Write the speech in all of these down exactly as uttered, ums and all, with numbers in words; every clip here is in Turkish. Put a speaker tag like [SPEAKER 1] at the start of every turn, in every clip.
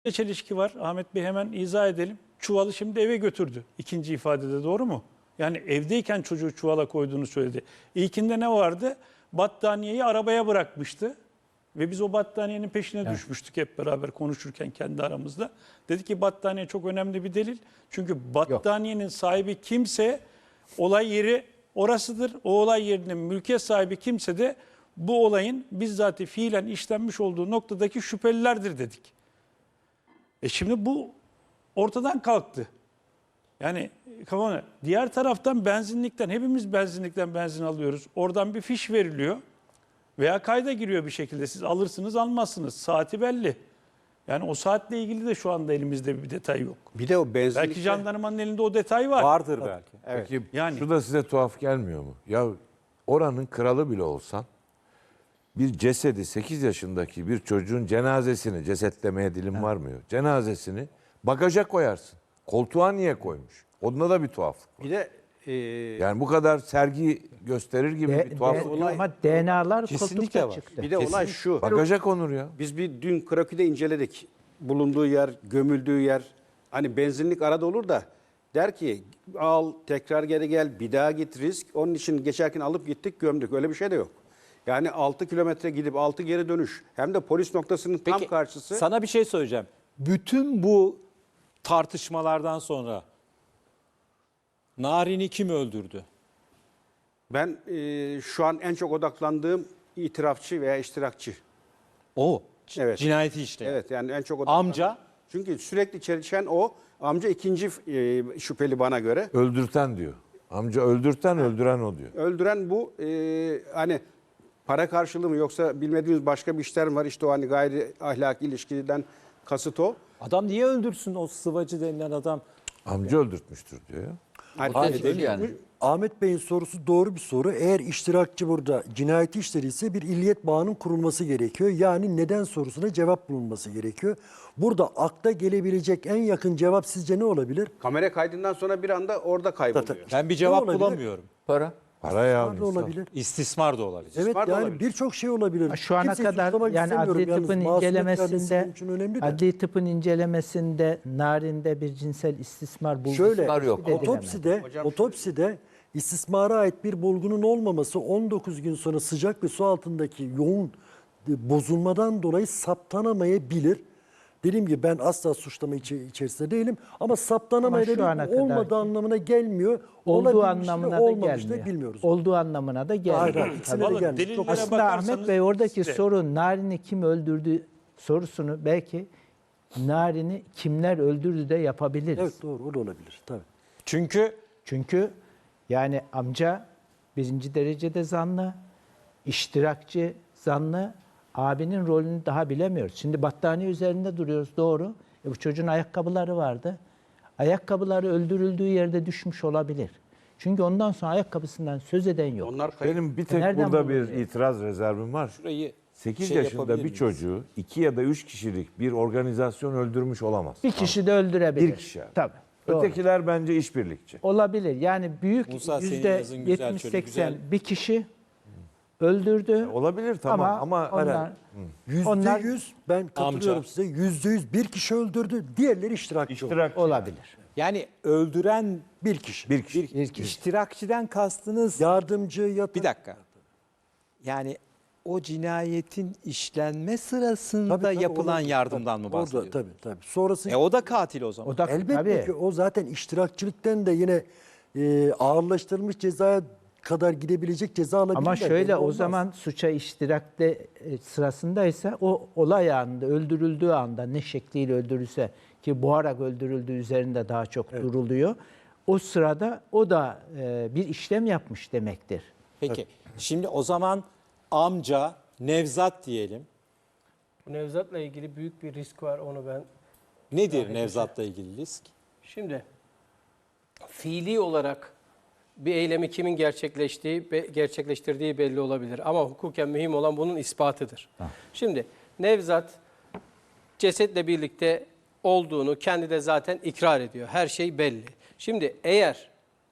[SPEAKER 1] çelişki var. Ahmet Bey hemen izah edelim. Çuvalı şimdi eve götürdü. İkinci ifadede doğru mu? Yani evdeyken çocuğu çuvala koyduğunu söyledi. İlkinde ne vardı? Battaniyeyi arabaya bırakmıştı. Ve biz o battaniyenin peşine evet. düşmüştük hep beraber konuşurken kendi aramızda. Dedi ki battaniye çok önemli bir delil. Çünkü battaniyenin Yok. sahibi kimse olay yeri orasıdır. O olay yerinin mülkiyet sahibi kimse de bu olayın bizzat fiilen işlenmiş olduğu noktadaki şüphelilerdir dedik. E şimdi bu ortadan kalktı. Yani kafana. Diğer taraftan benzinlikten, hepimiz benzinlikten benzin alıyoruz. Oradan bir fiş veriliyor veya kayda giriyor bir şekilde. Siz alırsınız, almazsınız. Saati belli. Yani o saatle ilgili de şu anda elimizde bir detay yok.
[SPEAKER 2] Bir de o benzinlikte...
[SPEAKER 1] Belki jandarmanın elinde o detay var.
[SPEAKER 2] Vardır belki.
[SPEAKER 3] Evet. Peki yani... şu da size tuhaf gelmiyor mu? Ya oranın kralı bile olsan bir cesedi sekiz yaşındaki bir çocuğun cenazesini, cesetlemeye dilim evet. varmıyor. Cenazesini bagaja koyarsın. Koltuğa niye koymuş? Onda da bir tuhaflık var.
[SPEAKER 2] Bir de e...
[SPEAKER 3] yani bu kadar sergi gösterir gibi
[SPEAKER 4] de,
[SPEAKER 3] bir tuhaflık.
[SPEAKER 4] De, olay, ama D N A'lar
[SPEAKER 2] kesinlikle var.
[SPEAKER 4] çıktı.
[SPEAKER 2] Bir de olay şu.
[SPEAKER 3] Bagaja konur ya.
[SPEAKER 2] Biz bir dün Krakü'de inceledik. Bulunduğu yer, gömüldüğü yer. Hani benzinlik arada olur da der ki al tekrar geri gel bir daha git risk. Onun için geçerken alıp gittik gömdük. Öyle bir şey de yok. Yani altı kilometre gidip altı geri dönüş. Hem de polis noktasının tam
[SPEAKER 5] Peki,
[SPEAKER 2] karşısı.
[SPEAKER 5] Sana bir şey söyleyeceğim. Bütün bu tartışmalardan sonra Narin'i kim öldürdü?
[SPEAKER 2] Ben e, şu an en çok odaklandığım itirafçı veya iştirakçı.
[SPEAKER 5] O.
[SPEAKER 2] Evet.
[SPEAKER 5] Cinayeti işte.
[SPEAKER 2] Evet yani en çok odaklandığım.
[SPEAKER 5] Amca?
[SPEAKER 2] Çünkü sürekli çelişen o. Amca ikinci e, şüpheli bana göre.
[SPEAKER 3] Öldürten diyor. Amca öldürten, ha. öldüren o diyor.
[SPEAKER 2] Öldüren bu. E, hani para karşılığı mı yoksa bilmediğimiz başka bir işler mi var? İşte o hani gayri ahlaki ilişkiden kasıt o.
[SPEAKER 5] Adam niye öldürsün o sıvacı denilen adam?
[SPEAKER 3] Amca öldürtmüştür diyor ya.
[SPEAKER 2] Hayır,
[SPEAKER 6] değil yani. Ahmet Bey'in sorusu doğru bir soru. Eğer iştirakçı burada cinayeti işlediyse bir illiyet bağının kurulması gerekiyor. Yani neden sorusuna cevap bulunması gerekiyor. Burada akla gelebilecek en yakın cevap sizce ne olabilir?
[SPEAKER 2] Kamera kaydından sonra bir anda orada kayboluyor.
[SPEAKER 5] Ben bir cevap bulamıyorum.
[SPEAKER 6] Para.
[SPEAKER 3] Para ya.
[SPEAKER 6] Da olabilir.
[SPEAKER 5] İstismar da olabilir.
[SPEAKER 6] Evet
[SPEAKER 2] İstismar
[SPEAKER 6] yani birçok şey olabilir.
[SPEAKER 4] Şu ana
[SPEAKER 6] Kimseyi
[SPEAKER 4] kadar
[SPEAKER 6] suçlamak
[SPEAKER 4] yani
[SPEAKER 6] istemiyorum.
[SPEAKER 4] adli tıpın
[SPEAKER 6] Yalnız
[SPEAKER 4] incelemesinde
[SPEAKER 6] için önemli de.
[SPEAKER 4] adli tıpın incelemesinde Narin'de bir cinsel istismar bulgusu
[SPEAKER 6] Şöyle
[SPEAKER 4] yok.
[SPEAKER 6] otopside
[SPEAKER 2] Hocam
[SPEAKER 6] otopside istismara ait bir bulgunun olmaması on dokuz gün sonra sıcak ve su altındaki yoğun bozulmadan dolayı saptanamayabilir. Dediğim gibi ben asla suçlama içerisinde değilim ama saptanamayabilir olmadığı anlamına gelmiyor.
[SPEAKER 4] Olduğu anlamına da
[SPEAKER 6] olmamış
[SPEAKER 4] gelmiyor.
[SPEAKER 6] da bilmiyoruz.
[SPEAKER 4] Olduğu anlamına da gelmiyor.
[SPEAKER 6] Hayır, hayır, ikisine de gelmiyor. Çok
[SPEAKER 4] aslında Ahmet Bey oradaki
[SPEAKER 1] işte.
[SPEAKER 4] soru Narin'i kim öldürdü sorusunu belki Narin'i kimler öldürdü de yapabiliriz.
[SPEAKER 6] Evet doğru o da olabilir tabii.
[SPEAKER 5] Çünkü
[SPEAKER 4] Çünkü yani amca birinci derecede zanlı, iştirakçı zanlı, abinin rolünü daha bilemiyoruz. Şimdi battaniye üzerinde duruyoruz doğru. E bu çocuğun ayakkabıları vardı. Ayakkabıları öldürüldüğü yerde düşmüş olabilir. Çünkü ondan sonra ayakkabısından söz eden yok.
[SPEAKER 2] onlar kayıp.
[SPEAKER 3] Benim bir tek
[SPEAKER 4] Nereden
[SPEAKER 3] burada bir
[SPEAKER 4] bulundu?
[SPEAKER 3] itiraz rezervim var.
[SPEAKER 5] şurayı
[SPEAKER 3] sekiz
[SPEAKER 5] şey
[SPEAKER 3] yaşında
[SPEAKER 5] yapabilir
[SPEAKER 3] bir
[SPEAKER 5] miyiz?
[SPEAKER 3] çocuğu iki ya da üç kişilik bir organizasyon öldürmüş olamaz.
[SPEAKER 4] Bir kişi de öldürebilir.
[SPEAKER 3] Bir kişi.
[SPEAKER 4] Tabii. Doğru.
[SPEAKER 3] Ötekiler bence işbirlikçi.
[SPEAKER 4] Olabilir. Yani büyük
[SPEAKER 5] Musa, senin
[SPEAKER 4] yüzde
[SPEAKER 5] yazın güzel,
[SPEAKER 4] yetmiş
[SPEAKER 5] şöyle
[SPEAKER 4] seksen
[SPEAKER 5] güzel.
[SPEAKER 4] bir kişi öldürdü.
[SPEAKER 3] Olabilir tamam
[SPEAKER 4] ama,
[SPEAKER 3] ama,
[SPEAKER 4] onlar,
[SPEAKER 6] Yüzde
[SPEAKER 4] Onlar-
[SPEAKER 6] yüz ben katılıyorum
[SPEAKER 5] Amca.
[SPEAKER 6] size. Yüzde yüz bir kişi öldürdü. Diğerleri iştirakçı.
[SPEAKER 3] iştirak
[SPEAKER 4] olabilir.
[SPEAKER 5] yani öldüren
[SPEAKER 6] Bir kişi.
[SPEAKER 3] bir kişi.
[SPEAKER 5] bir, iştirakçiden kastınız
[SPEAKER 6] Yardımcı yatak.
[SPEAKER 5] bir dakika. Yani o cinayetin işlenme sırasında
[SPEAKER 6] Tabii, tabii,
[SPEAKER 5] yapılan
[SPEAKER 6] olabilir.
[SPEAKER 5] yardımdan
[SPEAKER 6] Tabii,
[SPEAKER 5] mı bahsediyoruz?
[SPEAKER 6] Orada tabii tabii. Sonrası
[SPEAKER 5] E o da katil o zaman.
[SPEAKER 4] O da
[SPEAKER 6] elbette
[SPEAKER 4] tabii.
[SPEAKER 6] ki o zaten iştirakçılıktan da yine e, ağırlaştırılmış cezaya kadar gidebilecek ceza alabilirler.
[SPEAKER 4] Ama şöyle
[SPEAKER 6] Belli
[SPEAKER 4] o
[SPEAKER 6] olmaz.
[SPEAKER 4] zaman suça iştirakte e, sırasındaysa o olay anında öldürüldüğü anda ne şekliyle öldürülse ki boğarak öldürüldüğü üzerinde daha çok duruluyor. O sırada o da e, bir işlem yapmış demektir.
[SPEAKER 5] Peki şimdi o zaman amca Nevzat diyelim.
[SPEAKER 7] Bu Nevzat'la ilgili büyük bir risk var onu ben.
[SPEAKER 5] Nedir Nevzat'la ilgili risk?
[SPEAKER 7] Şimdi fiili olarak bir eylemi kimin gerçekleştiği, be- gerçekleştirdiği belli olabilir. Ama hukuken mühim olan bunun ispatıdır. Şimdi Nevzat cesetle birlikte olduğunu kendi de zaten ikrar ediyor. Her şey belli. Şimdi eğer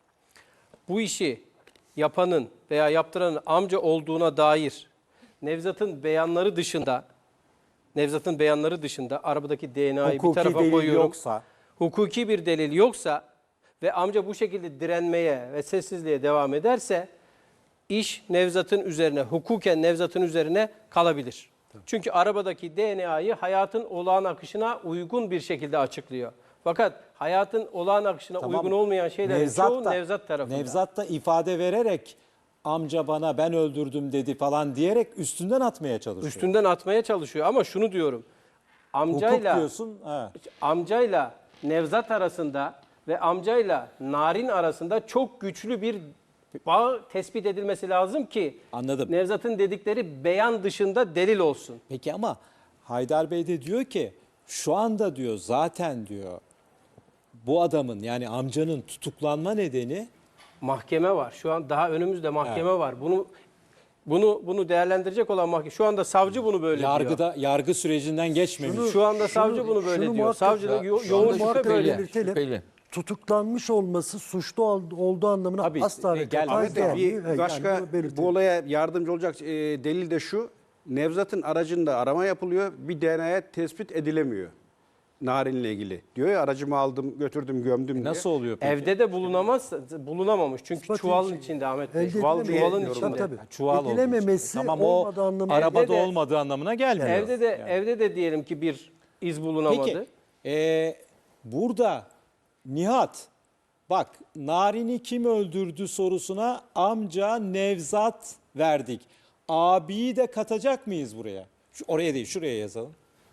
[SPEAKER 7] bu işi yapanın veya yaptıranın amca olduğuna dair Nevzat'ın beyanları dışında Nevzat'ın beyanları dışında arabadaki D N A'yı bir
[SPEAKER 5] Hukuki
[SPEAKER 7] tarafa
[SPEAKER 5] delil
[SPEAKER 7] koyuyorum.
[SPEAKER 5] yoksa.
[SPEAKER 7] Hukuki bir delil yoksa ve amca bu şekilde direnmeye ve sessizliğe devam ederse iş Nevzat'ın üzerine, hukuken Nevzat'ın üzerine kalabilir. Çünkü arabadaki D N A'yı hayatın olağan akışına uygun bir şekilde açıklıyor. Fakat hayatın olağan akışına
[SPEAKER 5] Tamam.
[SPEAKER 7] uygun olmayan şeylerin çoğu
[SPEAKER 5] da-
[SPEAKER 7] Nevzat tarafında.
[SPEAKER 5] Nevzat da ifade vererek amca bana ben öldürdüm dedi falan diyerek üstünden atmaya çalışıyor.
[SPEAKER 7] Üstünden atmaya çalışıyor ama şunu diyorum.
[SPEAKER 5] Hukuk
[SPEAKER 7] Amcayla
[SPEAKER 5] diyorsun. Ha.
[SPEAKER 7] amcayla Nevzat arasında ve amcayla Narin arasında çok güçlü bir bağ tespit edilmesi lazım ki
[SPEAKER 5] Anladım.
[SPEAKER 7] Nevzat'ın dedikleri beyan dışında delil olsun.
[SPEAKER 5] Peki ama Haydar Bey de diyor ki şu anda diyor zaten diyor bu adamın yani amcanın tutuklanma nedeni
[SPEAKER 7] Mahkeme var. Şu an daha önümüzde mahkeme var. Bunu bunu bunu değerlendirecek olan mahkeme. Şu anda savcı bunu böyle diyor.
[SPEAKER 5] yargıda yargı sürecinden geçmemiş.
[SPEAKER 7] Şu anda savcı bunu böyle
[SPEAKER 6] şunu
[SPEAKER 7] diyor.
[SPEAKER 6] muhakkak-
[SPEAKER 7] Savcı da yo-
[SPEAKER 6] Şu anda
[SPEAKER 7] yoğun şüphe
[SPEAKER 6] muhakkak
[SPEAKER 7] böyle.
[SPEAKER 6] belirtelim.
[SPEAKER 3] Şüpheli.
[SPEAKER 6] Tutuklanmış olması suçlu ol- olduğu anlamına
[SPEAKER 5] Tabii,
[SPEAKER 6] asla
[SPEAKER 5] e,
[SPEAKER 6] ve
[SPEAKER 5] gel-
[SPEAKER 6] katiyen
[SPEAKER 2] Ahmet Bey,
[SPEAKER 6] gelmiyor.
[SPEAKER 2] bir
[SPEAKER 6] Yani
[SPEAKER 2] başka
[SPEAKER 6] bunu belirtelim.
[SPEAKER 2] bu olaya yardımcı olacak e, delil de şu. Nevzat'ın aracında arama yapılıyor. Bir D N A'ya tespit edilemiyor. Narin'le ilgili. Diyor ya aracımı aldım, götürdüm, gömdüm diye.
[SPEAKER 5] Nasıl oluyor peki?
[SPEAKER 7] Evde de bulunamaz, bulunamamış. Çünkü
[SPEAKER 6] İspat
[SPEAKER 7] çuvalın
[SPEAKER 6] edici-
[SPEAKER 7] içinde Ahmet Bey.
[SPEAKER 6] Elde
[SPEAKER 7] Çuval,
[SPEAKER 6] edilemez.
[SPEAKER 7] çuvalın
[SPEAKER 6] Tabii,
[SPEAKER 7] içinde.
[SPEAKER 6] tabii.
[SPEAKER 5] Çuval olduğu için.
[SPEAKER 6] Edilememesi
[SPEAKER 5] Tamam,
[SPEAKER 6] olmadığı
[SPEAKER 5] o
[SPEAKER 6] anlamına
[SPEAKER 5] arabada
[SPEAKER 7] Evde de-
[SPEAKER 5] olmadığı anlamına gelmiyor.
[SPEAKER 7] Evde de evde de diyelim ki bir iz bulunamadı.
[SPEAKER 5] Peki e, burada Nihat bak Narin'i kim öldürdü sorusuna amca Nevzat verdik. Abiyi de katacak mıyız buraya? Şu, oraya değil şuraya yazalım.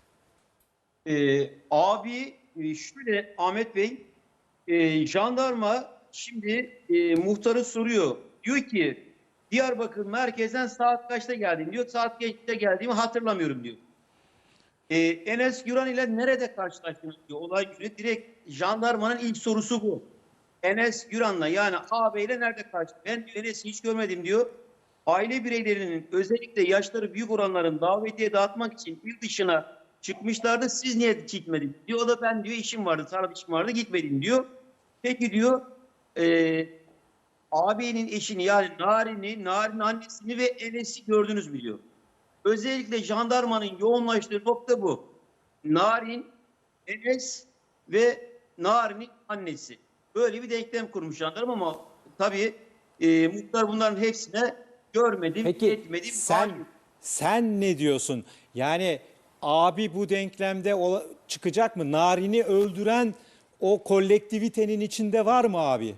[SPEAKER 8] Ee, abi e, şöyle Ahmet Bey, e, jandarma şimdi e, muhtarı soruyor. Diyor ki Diyarbakır merkezden saat kaçta geldin diyor. Saat kaçta geldiğimi hatırlamıyorum diyor. E, Enes Güran ile nerede karşılaştınız diyor. Olay günü direkt jandarmanın ilk sorusu bu. Enes Güran'la yani ağabeyle nerede karşılaştın? Ben diyor Enes'i hiç görmedim diyor. Aile bireylerinin özellikle yaşları büyük olanların davetiye dağıtmak için il dışına çıkmışlardı. Siz niye gitmediniz diyor. O da ben diyor işim vardı, tarla işim vardı gitmedim diyor. Peki diyor e, ağabeyinin eşini yani Narin'i, Narin annesini ve Enes'i gördünüz mü diyor. Özellikle jandarmanın yoğunlaştığı nokta bu. Narin, Enes ve Narin'in annesi. Böyle bir denklem kurmuş jandarma ama tabii e, muhtar bunların hepsine görmedim,
[SPEAKER 5] Peki
[SPEAKER 8] etmedim.
[SPEAKER 5] sen
[SPEAKER 8] hayır.
[SPEAKER 5] sen ne diyorsun? Yani abi bu denklemde ola- çıkacak mı? Narin'i öldüren o kolektivitenin içinde var mı abi?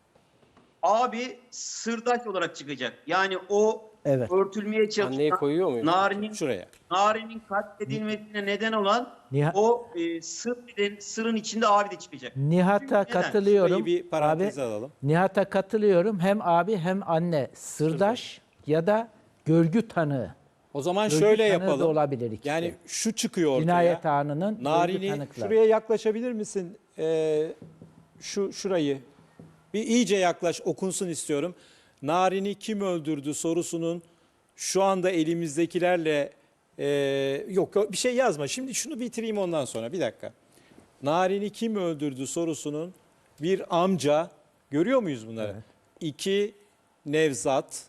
[SPEAKER 8] Abi sırdaş olarak çıkacak. Yani o
[SPEAKER 4] Evet.
[SPEAKER 8] örtülmeye
[SPEAKER 7] Anneyi
[SPEAKER 8] çalışan
[SPEAKER 7] koyuyor muyum?
[SPEAKER 8] Narin'in
[SPEAKER 5] Şuraya.
[SPEAKER 8] Narin'in katledilmesine neden olan
[SPEAKER 4] Nihat-
[SPEAKER 8] o e, sır, sırın içinde abi de çıkacak.
[SPEAKER 4] Nihat'a
[SPEAKER 8] Neden?
[SPEAKER 4] katılıyorum.
[SPEAKER 5] Şurayı bir paranteze
[SPEAKER 4] Abi,
[SPEAKER 5] alalım.
[SPEAKER 4] Nihat'a katılıyorum. Hem abi hem anne sırdaş ya da görgü tanığı.
[SPEAKER 5] O zaman
[SPEAKER 4] Görgü
[SPEAKER 5] şöyle
[SPEAKER 4] tanığı da
[SPEAKER 5] yapalım.
[SPEAKER 4] olabilir ikisi.
[SPEAKER 5] Yani şu çıkıyor ortaya.
[SPEAKER 4] Cinayet anının görgü
[SPEAKER 5] Narin'i
[SPEAKER 4] tanıkları.
[SPEAKER 5] şuraya yaklaşabilir misin? Ee, şu şurayı. Bir iyice yaklaş okunsun istiyorum. Narin'i kim öldürdü sorusunun şu anda elimizdekilerle e, yok bir şey yazma. Şimdi şunu bitireyim ondan sonra bir dakika. Narin'i kim öldürdü sorusunun bir amca görüyor muyuz bunları? İki Nevzat.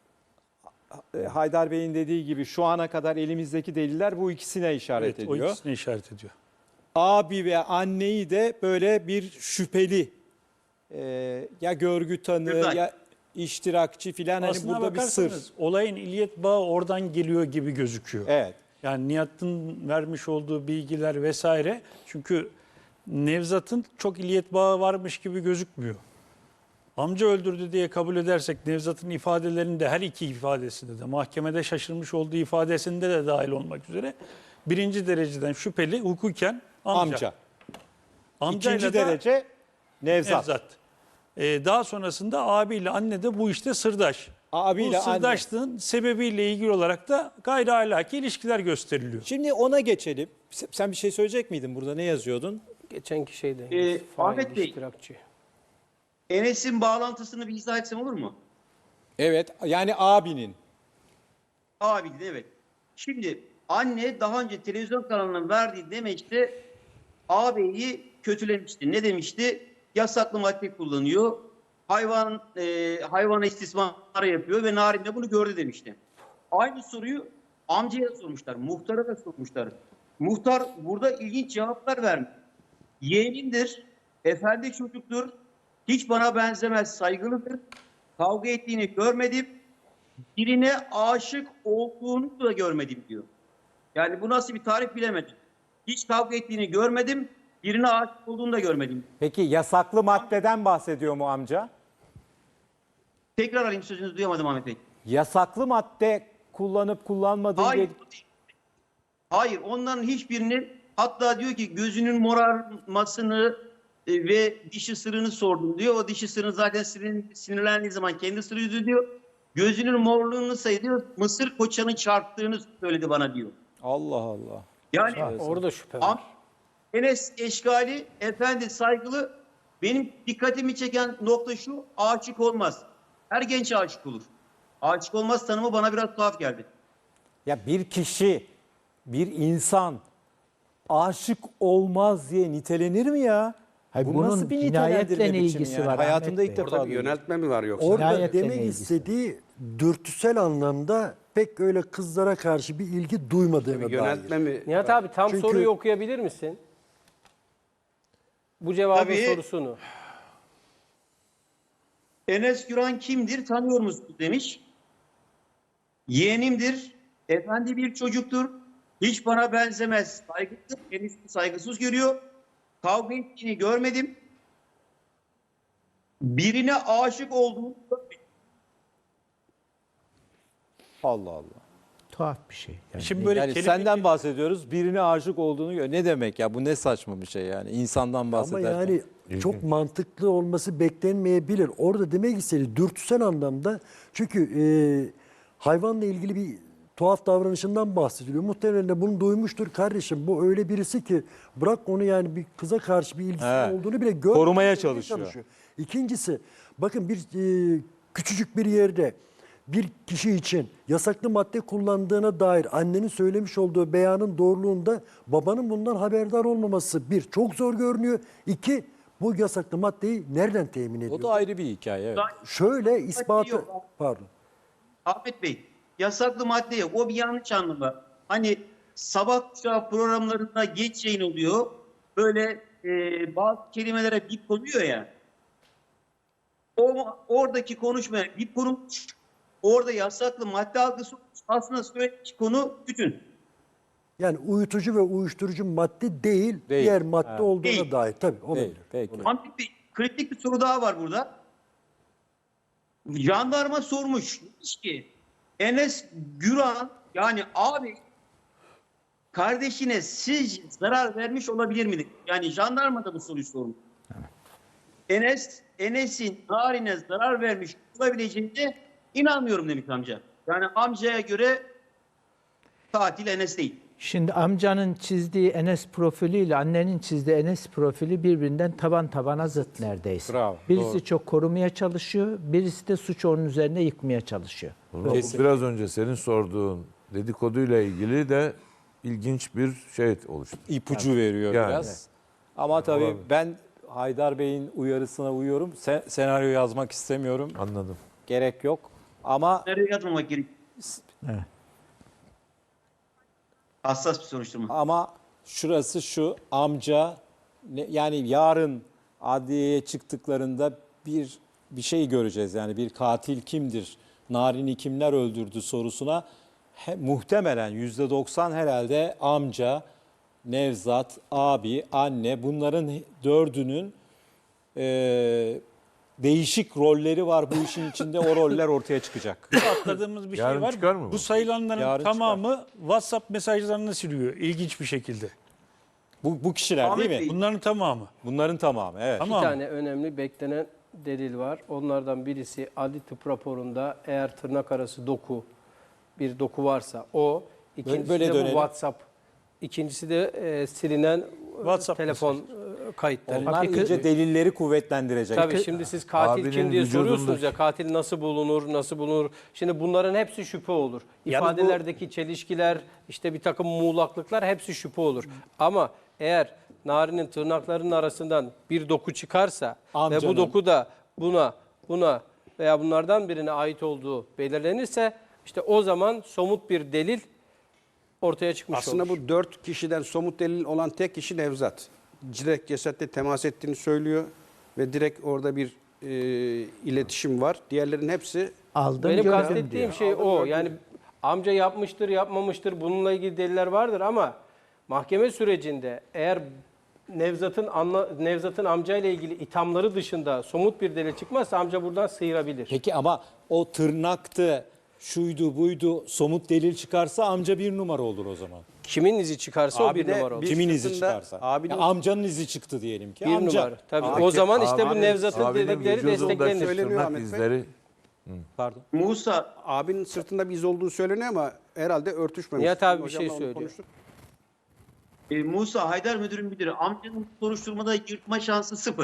[SPEAKER 5] E, Haydar Bey'in dediği gibi şu ana kadar elimizdeki deliller bu ikisine işaret
[SPEAKER 1] Evet, o
[SPEAKER 5] ediyor.
[SPEAKER 1] ikisini işaret ediyor.
[SPEAKER 5] Abi ve anneyi de böyle bir şüpheli e, ya görgü tanığı
[SPEAKER 8] Güzel.
[SPEAKER 5] ya iştirakçı filan hani
[SPEAKER 1] Aslına
[SPEAKER 5] burada bir sır.
[SPEAKER 1] bakarsanız olayın illiyet bağı oradan geliyor gibi gözüküyor.
[SPEAKER 5] Evet.
[SPEAKER 1] Yani Nihat'ın vermiş olduğu bilgiler vesaire. Çünkü Nevzat'ın çok illiyet bağı varmış gibi gözükmüyor. Amca öldürdü diye kabul edersek Nevzat'ın ifadelerinde her iki ifadesinde de mahkemede şaşırmış olduğu ifadesinde de dahil olmak üzere birinci dereceden şüpheli hukuken amca.
[SPEAKER 5] Amca.
[SPEAKER 1] Amcayla
[SPEAKER 5] İkinci
[SPEAKER 1] da
[SPEAKER 5] derece Nevzat.
[SPEAKER 1] Nevzat. Ee, daha sonrasında abiyle anne de bu işte sırdaş.
[SPEAKER 5] Abiyle
[SPEAKER 1] bu
[SPEAKER 5] anne.
[SPEAKER 1] sırdaşlığın sebebiyle ilgili olarak da gayri ahlaki ilişkiler gösteriliyor.
[SPEAKER 5] Şimdi ona geçelim. Sen bir şey söyleyecek miydin burada? Ne yazıyordun?
[SPEAKER 7] Geçenki şeyde.
[SPEAKER 8] Ee,
[SPEAKER 7] fail,
[SPEAKER 8] Ahmet Bey.
[SPEAKER 7] iştirakçı.
[SPEAKER 8] Enes'in bağlantısını bir izah etsem olur mu?
[SPEAKER 5] Evet. Yani abinin.
[SPEAKER 8] Abi evet. Şimdi anne daha önce televizyon kanalının verdiği demeçte ağabeyi kötülemişti. Ne demişti? Yasaklı madde kullanıyor. Hayvan e, hayvana istismar yapıyor ve Narin de bunu gördü demişti. Aynı soruyu amcaya sormuşlar, muhtara da sormuşlar. Muhtar burada ilginç cevaplar vermiş. Yeğenimdir, efendi çocuktur, hiç bana benzemez, saygılıdır. Kavga ettiğini görmedim, birine aşık olduğunu da görmedim diyor. Yani bu nasıl bir tarif bilemedim. Hiç kavga ettiğini görmedim, birine aşık olduğunu da görmedim.
[SPEAKER 9] Peki yasaklı maddeden bahsediyor mu amca?
[SPEAKER 8] Tekrar alayım, sözünüzü duyamadım Ahmet Bey.
[SPEAKER 9] Yasaklı madde kullanıp kullanmadığı
[SPEAKER 8] Hayır.
[SPEAKER 9] diye-
[SPEAKER 8] Hayır, onların hiçbirini, hatta diyor ki gözünün morarmasını e, ve dişi ısırığını sordum diyor. O dişi ısırığını zaten sinir, sinirlendiği zaman kendi ısırıyordu diyor. Gözünün morluğunu sayıyor. Mısır koçanın çarptığını söyledi bana diyor.
[SPEAKER 5] Allah Allah.
[SPEAKER 8] Yani
[SPEAKER 7] Orada şüphe var.
[SPEAKER 8] Am- Enes Eşkali, efendi saygılı. Benim dikkatimi çeken nokta şu: aşık olmaz. Her genç aşık olur. Aşık olmaz tanımı bana biraz tuhaf geldi.
[SPEAKER 9] Ya bir kişi, bir insan aşık olmaz diye nitelenir mi ya?
[SPEAKER 4] Hayır,
[SPEAKER 9] Bu
[SPEAKER 4] bunun
[SPEAKER 9] nasıl bir
[SPEAKER 4] cinayetle
[SPEAKER 9] nitelendirme
[SPEAKER 4] ne
[SPEAKER 9] biçimi
[SPEAKER 4] ilgisi
[SPEAKER 9] yani?
[SPEAKER 4] var
[SPEAKER 9] Hayatımda
[SPEAKER 4] Ahmet
[SPEAKER 9] ilk
[SPEAKER 4] Bey?
[SPEAKER 9] defa
[SPEAKER 2] Orada bir
[SPEAKER 9] duydum.
[SPEAKER 2] yöneltme mi var yoksa?
[SPEAKER 6] Orada
[SPEAKER 4] Cinayetle ne
[SPEAKER 6] demek
[SPEAKER 4] ilgisi?
[SPEAKER 6] istediği dürtüsel anlamda pek öyle kızlara karşı bir ilgi duymadığına
[SPEAKER 2] Bir yöneltme
[SPEAKER 6] dair.
[SPEAKER 2] mi?
[SPEAKER 7] Nihat abi tam
[SPEAKER 6] Çünkü-
[SPEAKER 7] soruyu okuyabilir misin? Bu cevabın
[SPEAKER 8] Tabii.
[SPEAKER 7] sorusunu.
[SPEAKER 8] Enes Güran kimdir, tanıyor musunuz demiş. Yeğenimdir, efendi bir çocuktur, hiç bana benzemez, saygılıdır, kendisini saygısız görüyor. Kavga ettiğini görmedim. Birine aşık olduğunu görmedim.
[SPEAKER 5] Allah Allah.
[SPEAKER 4] Tuhaf bir şey. Yani
[SPEAKER 1] Şimdi böyle
[SPEAKER 5] Yani
[SPEAKER 1] kelime-
[SPEAKER 5] senden bahsediyoruz. Birine aşık olduğunu gör. Ne demek ya? Bu ne saçma bir şey yani. İnsandan
[SPEAKER 6] Ama
[SPEAKER 5] bahsederken.
[SPEAKER 6] yani çok mantıklı olması beklenmeyebilir. Orada demek istediği dürtüsel anlamda, çünkü e, hayvanla ilgili bir tuhaf davranışından bahsediliyor. Muhtemelen de bunu duymuştur. Kardeşim bu öyle birisi ki bırak onu, yani bir kıza karşı bir ilgisi
[SPEAKER 5] Evet.
[SPEAKER 6] olduğunu bile görmüyor.
[SPEAKER 5] Korumaya çalışıyor.
[SPEAKER 6] İkincisi, bakın bir e, küçücük bir yerde bir kişi için yasaklı madde kullandığına dair annenin söylemiş olduğu beyanın doğruluğunda babanın bundan haberdar olmaması bir, çok zor görünüyor. İki, bu yasaklı maddeyi nereden temin ediyor?
[SPEAKER 5] O da ayrı bir hikaye. Evet.
[SPEAKER 6] Şöyle ispatı,
[SPEAKER 8] yok.
[SPEAKER 6] pardon.
[SPEAKER 8] Ahmet Bey, yasaklı madde yok. O bir yanlış anlama. Hani sabah kuşağı programlarında geç yayın oluyor. Böyle e, bazı kelimelere bip konuyor ya. O, oradaki konuşmaya bip konulmuş. Orada yasaklı madde algısı aslında söylediği konu bütün.
[SPEAKER 6] Yani uyutucu ve uyuşturucu madde değil,
[SPEAKER 5] Değil.
[SPEAKER 6] diğer madde
[SPEAKER 5] Ha.
[SPEAKER 6] olduğuna
[SPEAKER 8] Değil.
[SPEAKER 6] dair. Tabii olabilir.
[SPEAKER 5] Değil, peki.
[SPEAKER 8] Ahmet Bey, kritik bir soru daha var burada. Jandarma sormuş. Demiş ki Enes Güran, yani abi, kardeşine sizce zarar vermiş olabilir miydi? Yani jandarma da bu soruyu sormuş. Enes, Enes'in Narin'e zarar vermiş olabileceğine inanmıyorum demiş amca. Yani amcaya göre katil Enes değil.
[SPEAKER 4] Şimdi amcanın çizdiği Enes profiliyle annenin çizdiği Enes profili birbirinden taban tabana zıt neredeyse.
[SPEAKER 5] Bravo,
[SPEAKER 4] Birisi
[SPEAKER 5] doğru.
[SPEAKER 4] çok korumaya çalışıyor, birisi de suçu onun üzerine yıkmaya çalışıyor.
[SPEAKER 3] Bu biraz önce senin sorduğun dedikoduyla ilgili de ilginç bir şey oluştu.
[SPEAKER 5] İpucu veriyor
[SPEAKER 3] Yani.
[SPEAKER 5] biraz. Ama tabii ben Haydar Bey'in uyarısına uyuyorum. Sen, senaryo yazmak istemiyorum.
[SPEAKER 3] Anladım.
[SPEAKER 5] Gerek yok. Ama
[SPEAKER 8] Nereye yazmamak gerek?
[SPEAKER 4] Evet.
[SPEAKER 8] Hassas bir soruşturma.
[SPEAKER 5] ama şurası şu: amca ne- yani yarın adliyeye çıktıklarında bir bir şey göreceğiz. Yani bir katil kimdir? Narin'i kimler öldürdü sorusuna he- muhtemelen yüzde doksan herhalde amca, Nevzat, abi, anne, bunların he- dördünün e, değişik rolleri var bu işin içinde. O roller ortaya çıkacak.
[SPEAKER 1] atladığımız bir şey
[SPEAKER 3] Yarın
[SPEAKER 1] var.
[SPEAKER 3] çıkar mı bu?
[SPEAKER 1] Bu sayılanların
[SPEAKER 5] Yarın
[SPEAKER 1] tamamı WhatsApp mesajlarını siliyor ilginç bir şekilde.
[SPEAKER 5] Bu, bu kişiler
[SPEAKER 8] Ahmet
[SPEAKER 5] değil mi?
[SPEAKER 8] Bey,
[SPEAKER 1] Bunların tamamı.
[SPEAKER 5] Bunların tamamı, evet.
[SPEAKER 1] Tamam.
[SPEAKER 7] Bir tane önemli beklenen delil var. Onlardan birisi adli tıp raporunda eğer tırnak arası doku, bir doku varsa o. İkincisi
[SPEAKER 5] Böyle
[SPEAKER 7] de bu
[SPEAKER 5] dönelim.
[SPEAKER 7] WhatsApp. İkincisi de e, silinen
[SPEAKER 1] WhatsApp
[SPEAKER 7] telefon e, kayıtları.
[SPEAKER 5] Onlar
[SPEAKER 4] Hakiki-
[SPEAKER 5] iyice delilleri kuvvetlendirecek.
[SPEAKER 7] Tabii şimdi siz katil
[SPEAKER 3] Abinin
[SPEAKER 7] kim diye soruyorsunuz
[SPEAKER 3] vücudundaki-
[SPEAKER 7] ya, katil nasıl bulunur, nasıl bulunur? Şimdi bunların hepsi şüphe olur.
[SPEAKER 1] Yalnız bu-
[SPEAKER 7] İfadelerdeki çelişkiler, işte bir takım muğlaklıklar hepsi şüphe olur. Ama eğer Narin'in tırnaklarının arasından bir doku çıkarsa ve
[SPEAKER 5] Amcanın.
[SPEAKER 7] bu doku da buna, buna veya bunlardan birine ait olduğu belirlenirse, işte o zaman somut bir delil ortaya çıkmış
[SPEAKER 2] Aslında
[SPEAKER 7] olur.
[SPEAKER 2] bu dört kişiden somut delil olan tek kişi Nevzat. Direkt cesetle temas ettiğini söylüyor ve direkt orada bir e, iletişim var. Diğerlerin hepsi
[SPEAKER 4] Aldım
[SPEAKER 7] Benim
[SPEAKER 4] gördüm
[SPEAKER 7] kastettiğim
[SPEAKER 4] diyor.
[SPEAKER 7] şey o. Yani amca yapmıştır, yapmamıştır. Bununla ilgili deliller vardır ama mahkeme sürecinde eğer Nevzat'ın anla, Nevzat'ın amcayla ilgili ithamları dışında somut bir delil çıkmazsa amca buradan sıyırabilir.
[SPEAKER 5] Peki ama o tırnaktı, şuydu buydu somut delil çıkarsa amca bir numara olur o zaman.
[SPEAKER 7] Kimin izi çıkarsa o
[SPEAKER 2] Abi
[SPEAKER 7] bir
[SPEAKER 2] de
[SPEAKER 7] numara olur.
[SPEAKER 2] bir
[SPEAKER 5] Kimin izi
[SPEAKER 2] sırtında-
[SPEAKER 5] çıkarsa.
[SPEAKER 2] abinin-
[SPEAKER 5] Ya amcanın izi çıktı diyelim ki.
[SPEAKER 7] Bir
[SPEAKER 5] amca.
[SPEAKER 7] numara. Tabii.
[SPEAKER 3] Abi-
[SPEAKER 7] o zaman işte bu
[SPEAKER 3] abinin-
[SPEAKER 7] Nevzat'ın
[SPEAKER 3] abinin
[SPEAKER 7] dedikleri
[SPEAKER 3] vücudundaki
[SPEAKER 7] desteklenir.
[SPEAKER 2] Söyleniyor
[SPEAKER 3] tırnak
[SPEAKER 2] Ahmet Bey.
[SPEAKER 3] izleri
[SPEAKER 5] Pardon.
[SPEAKER 8] Musa
[SPEAKER 2] abinin sırtında bir iz olduğu söyleniyor ama herhalde örtüşmemiş.
[SPEAKER 7] Nihat abi bir
[SPEAKER 2] Hocamla
[SPEAKER 7] şey
[SPEAKER 2] onu
[SPEAKER 7] söylüyor.
[SPEAKER 2] konuştuk.
[SPEAKER 8] E, Musa Haydar Müdür'ün müdürü amcanın soruşturmada yırtma şansı sıfır.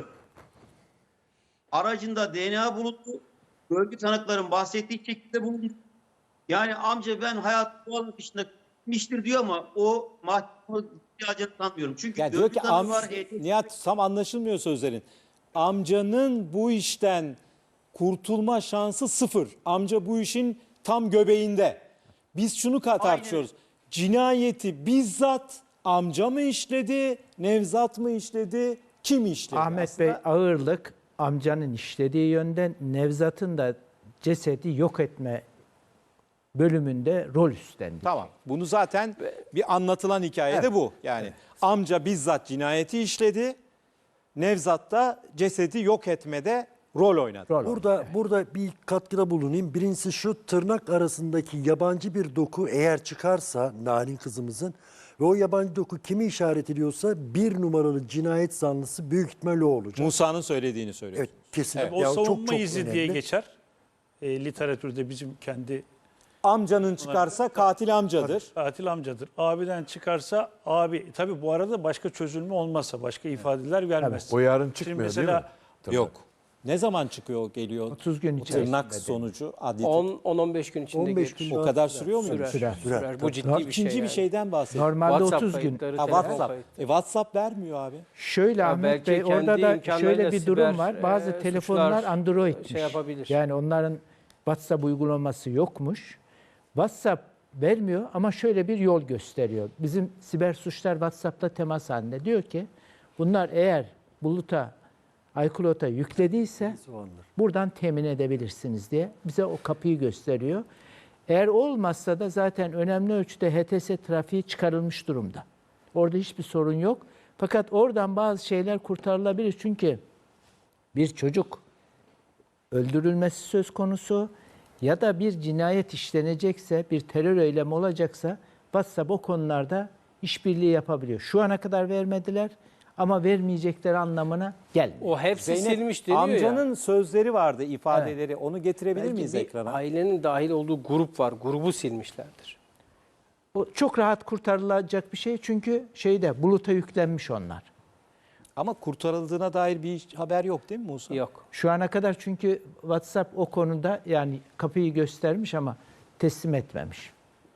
[SPEAKER 8] Aracında D N A bulundu. Görgü tanıkların bahsettiği şekilde bulundu. Yani amca ben hayat doğal akışında gitmiştir diyor ama o mahkeme ihtiyacını sanmıyorum. Çünkü
[SPEAKER 5] Ya diyor
[SPEAKER 8] görgü
[SPEAKER 5] ki
[SPEAKER 8] tanığı
[SPEAKER 5] am
[SPEAKER 8] var. H T S
[SPEAKER 5] Nihat tam anlaşılmıyor sözlerin. Amcanın bu işten kurtulma şansı sıfır. Amca bu işin tam göbeğinde. Biz şunu ka- tartışıyoruz. Cinayeti bizzat amca mı işledi, Nevzat mı işledi, kim işledi?
[SPEAKER 4] Ahmet
[SPEAKER 5] Aslında
[SPEAKER 4] Bey ağırlık amcanın işlediği yönden, Nevzat'ın da cesedi yok etme bölümünde rol üstlendi.
[SPEAKER 5] Tamam. Bunu zaten bir anlatılan hikaye de bu. Yani amca bizzat cinayeti işledi. Nevzat da cesedi yok etmede rol oynadı.
[SPEAKER 4] Rol
[SPEAKER 6] Burada burada bir katkıda bulunayım. Birincisi şu, tırnak arasındaki yabancı bir doku eğer çıkarsa Narin kızımızın ve o yabancı doku kimi işaret ediyorsa bir numaralı cinayet zanlısı büyük ihtimalle o olacak.
[SPEAKER 5] Musa'nın söylediğini söylüyor.
[SPEAKER 6] Evet, kesinlikle.
[SPEAKER 1] O
[SPEAKER 6] Ya
[SPEAKER 1] savunma izi diye
[SPEAKER 6] önemli.
[SPEAKER 1] geçer. E, literatürde bizim kendi
[SPEAKER 5] Amcanın çıkarsa katil amcadır.
[SPEAKER 1] katil amcadır. Abiden çıkarsa abi. Tabii bu arada başka çözülme olmazsa, başka ifadeler gelmez.
[SPEAKER 3] o yarın
[SPEAKER 1] Şimdi
[SPEAKER 3] çıkmıyor
[SPEAKER 1] mesela,
[SPEAKER 3] değil mi? Tırnak.
[SPEAKER 5] Yok. Ne zaman çıkıyor geliyor?
[SPEAKER 4] otuz gün
[SPEAKER 5] Bu
[SPEAKER 4] içerisinde
[SPEAKER 5] tırnak
[SPEAKER 4] dedi.
[SPEAKER 5] sonucu adli
[SPEAKER 7] on on beş gün içinde
[SPEAKER 6] on beş
[SPEAKER 7] gelir.
[SPEAKER 6] gün
[SPEAKER 5] o
[SPEAKER 6] daha
[SPEAKER 5] kadar
[SPEAKER 6] sürer.
[SPEAKER 5] sürüyor mu?
[SPEAKER 7] Sürer,
[SPEAKER 4] Sürer.
[SPEAKER 7] sürer. Bu ciddi bir şey.
[SPEAKER 5] İkinci bir
[SPEAKER 7] yani.
[SPEAKER 5] şeyden bahsediyor.
[SPEAKER 4] Normalde
[SPEAKER 7] WhatsApp
[SPEAKER 4] otuz gün.
[SPEAKER 7] kayıtları,
[SPEAKER 5] Ha,
[SPEAKER 7] telefon
[SPEAKER 5] WhatsApp.
[SPEAKER 7] kayıtları.
[SPEAKER 5] E, WhatsApp vermiyor abi.
[SPEAKER 4] Şöyle
[SPEAKER 7] Ya
[SPEAKER 4] Ahmet
[SPEAKER 7] belki
[SPEAKER 4] Bey,
[SPEAKER 7] kendi
[SPEAKER 4] orada da
[SPEAKER 7] imkanlarıyla
[SPEAKER 4] şöyle bir durum
[SPEAKER 7] siber,
[SPEAKER 4] var. Bazı
[SPEAKER 7] e,
[SPEAKER 4] telefonlar
[SPEAKER 7] suçlar
[SPEAKER 4] Android'miş.
[SPEAKER 7] şey yapabilir.
[SPEAKER 4] Yani onların WhatsApp uygulaması yokmuş. WhatsApp vermiyor ama şöyle bir yol gösteriyor. Bizim siber suçlar WhatsApp'ta temas halinde. Diyor ki bunlar eğer buluta, iCloud'a yüklediyse buradan temin edebilirsiniz diye bize o kapıyı gösteriyor. Eğer olmazsa da zaten önemli ölçüde H T S trafiği çıkarılmış durumda. Orada hiçbir sorun yok. Fakat oradan bazı şeyler kurtarılabilir. Çünkü bir çocuk öldürülmesi söz konusu ya da bir cinayet işlenecekse, bir terör eylemi olacaksa WhatsApp o konularda işbirliği yapabiliyor. Şu ana kadar vermediler ama vermeyecekleri anlamına gelmiyor.
[SPEAKER 7] O hepsi
[SPEAKER 5] Zeynep,
[SPEAKER 7] silmiş deniyor
[SPEAKER 5] amcanın
[SPEAKER 7] ya.
[SPEAKER 5] sözleri vardı, ifadeleri. Onu getirebilir
[SPEAKER 7] Belki
[SPEAKER 5] miyiz
[SPEAKER 7] bir
[SPEAKER 5] ekrana?
[SPEAKER 7] ailenin dahil olduğu grup var. Grubu silmişlerdir.
[SPEAKER 4] O çok rahat kurtarılacak bir şey çünkü şeyde buluta yüklenmiş onlar.
[SPEAKER 5] Ama kurtarıldığına dair bir haber yok değil mi Musa?
[SPEAKER 7] Yok.
[SPEAKER 4] Şu ana kadar çünkü WhatsApp o konuda yani kapıyı göstermiş ama teslim etmemiş.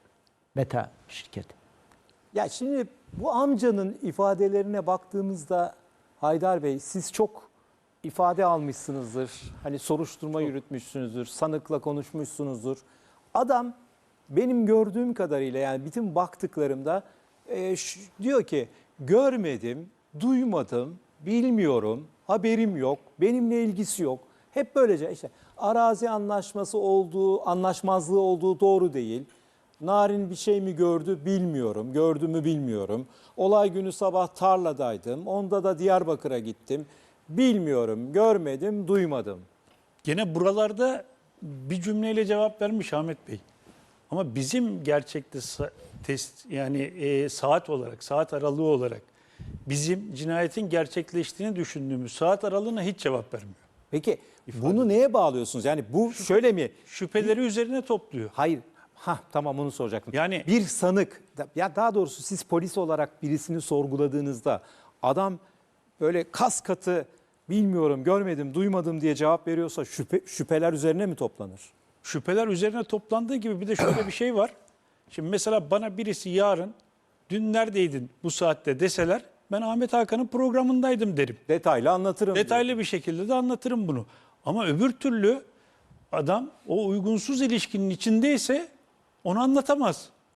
[SPEAKER 4] Meta şirketi.
[SPEAKER 5] Ya şimdi bu amcanın ifadelerine baktığımızda Haydar Bey siz çok ifade almışsınızdır. Hani soruşturma yürütmüşsünüzdür, sanıkla konuşmuşsunuzdur. Adam benim gördüğüm kadarıyla yani bütün baktıklarımda e, şu- diyor ki görmedim, duymadım, bilmiyorum, haberim yok, benimle ilgisi yok. Hep böylece işte arazi anlaşması olduğu, anlaşmazlığı olduğu doğru değil. Narin bir şey mi gördü bilmiyorum, gördü mü bilmiyorum. Olay günü sabah tarladaydım, onda da Diyarbakır'a gittim. Bilmiyorum, görmedim, duymadım.
[SPEAKER 1] Gene buralarda bir cümleyle cevap vermiş Ahmet Bey. Ama bizim gerçekte sa- test yani e, saat olarak, saat aralığı olarak bizim cinayetin gerçekleştiğini düşündüğümüz saat aralığına hiç cevap vermiyor.
[SPEAKER 5] Peki bunu neye bağlıyorsunuz? Yani bu şöyle mi?
[SPEAKER 1] Şüpheleri üzerine topluyor.
[SPEAKER 5] Hayır. Ha tamam onu soracaktım.
[SPEAKER 1] Yani-
[SPEAKER 5] bir sanık ya daha doğrusu siz polis olarak birisini sorguladığınızda adam böyle kas katı bilmiyorum, görmedim, duymadım diye cevap veriyorsa şüphe, şüpheler üzerine mi toplanır?
[SPEAKER 1] Şüpheler üzerine toplandığı gibi bir de şöyle bir şey var. Şimdi mesela bana birisi yarın dün neredeydin bu saatte deseler ben Ahmet Hakan'ın programındaydım derim.
[SPEAKER 5] Detaylı anlatırım.
[SPEAKER 1] Detaylı bir şekilde de anlatırım bunu. Ama öbür türlü adam o uygunsuz ilişkinin içindeyse onu anlatamaz.